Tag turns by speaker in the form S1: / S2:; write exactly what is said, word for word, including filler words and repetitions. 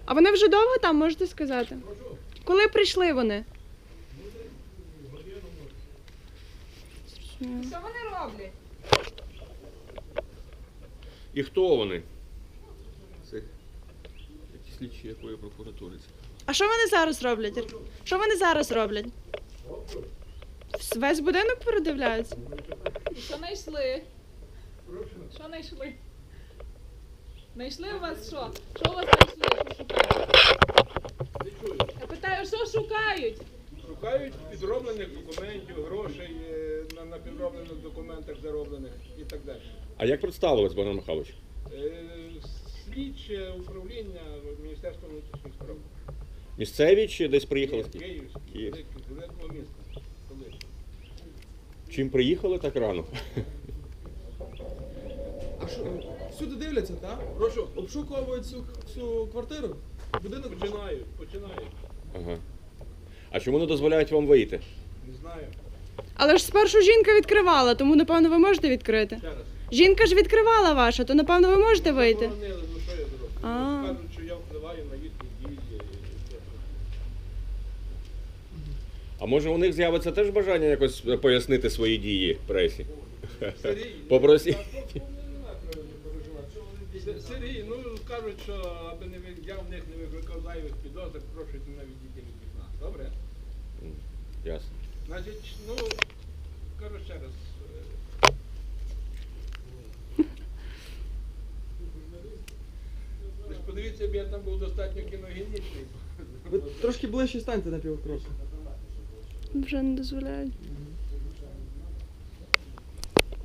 S1: А вони вже довго там, можете сказати? Коли прийшли вони?
S2: Що вони роблять?
S3: І хто вони? Це якісь слідчі якої прокуратури?
S1: А що вони зараз роблять? Що вони зараз роблять? Весь будинок передивляються?
S2: Що знайшли? Що знайшли? Знайшли у вас що? Що у вас знайшли? Що шукають? Я питаю, що шукають?
S4: Шукають підроблених документів, грошей е, на, на підроблених документах зароблених і так далі.
S3: А як представились, Богдан Михайлович?
S4: Е, Слідче управління Міністерства внутрішніх справ.
S3: Місцеві чи десь приїхали?
S4: Київ, Київське,
S3: Київ.
S4: велик- великого міста. Столиці.
S3: Чим приїхали так рано?
S5: А що, всюди дивляться, так? Прошу, обшуковують цю, цю квартиру? Будинок
S4: Починають, починають.
S3: Ага. А чому не дозволяють вам вийти?
S4: Не знаю.
S1: Але ж спершу жінка відкривала, тому, напевно, ви можете відкрити.
S4: Ще раз.
S1: Жінка ж відкривала ваша, то, напевно, ви можете вийти.
S4: Заборонили, ну що я зроблю?
S1: А.
S4: Кажуть, що я впливаю на їхні дії.
S3: А може у них з'явиться теж бажання якось пояснити свої дії пресі?
S4: Сергій,
S3: Попросіть.
S4: С- Сергій, ну кажуть, що аби не ви- я в них не викликав зайвих підозр, прошу мене відійти від вікна. Добре?
S3: Ясно.
S4: Значить, ну, кажу ще раз. е, Ви ж подивіться, б я там був достатньо кіногенічний.
S5: Ви трошки ближче станьте на півкроку.
S1: Вже не дозволяють.